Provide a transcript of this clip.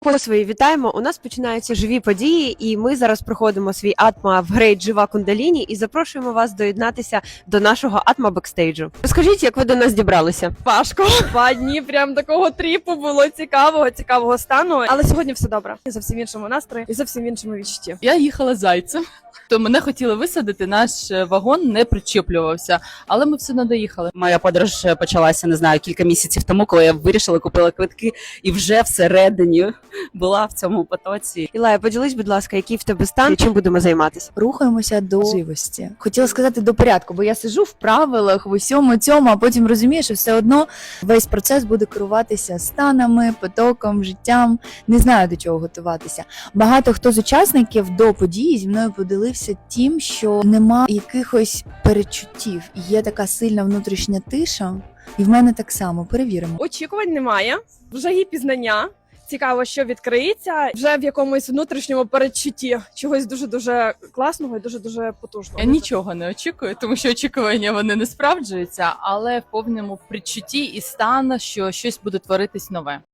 Свої вітаємо. У нас починаються живі події, і ми зараз проходимо свій атма в грейд Жива Кундаліні і запрошуємо вас доєднатися до нашого атма бекстейджу. Розкажіть, як ви до нас дібралися? Важко. 2 дні прям такого тріпу було цікавого стану. Але сьогодні все добре. І зовсім іншому настрої, і зовсім іншому відчутті. Я їхала зайцем, то мене хотіли висадити, наш вагон не причіплювався, але ми все одно доїхали. Моя подорож почалася, не знаю, кілька місяців тому, коли я вирішила, купила квитки і вже всередині була в цьому потоці. Ілая, поділись, будь ласка, який в тебе стан і чим будемо займатися? Рухаємося до живості. Хотіла сказати до порядку, бо я сиджу в правилах, в усьому цьому, а потім розумію, що все одно весь процес буде керуватися станами, потоком, життям. Не знаю, до чого готуватися. Багато хто з учасників до події зі мною поділився тим, що нема якихось перечуттів. Є така сильна внутрішня тиша, і в мене так само. Перевіримо. Очікувань немає, вже є пізнання. Цікаво, що відкриється вже в якомусь внутрішньому передчутті чогось дуже-дуже класного і дуже-дуже потужного. Я нічого не очікую, тому що очікування вони не справджуються, але в повному предчутті і стан, що щось буде творитись нове.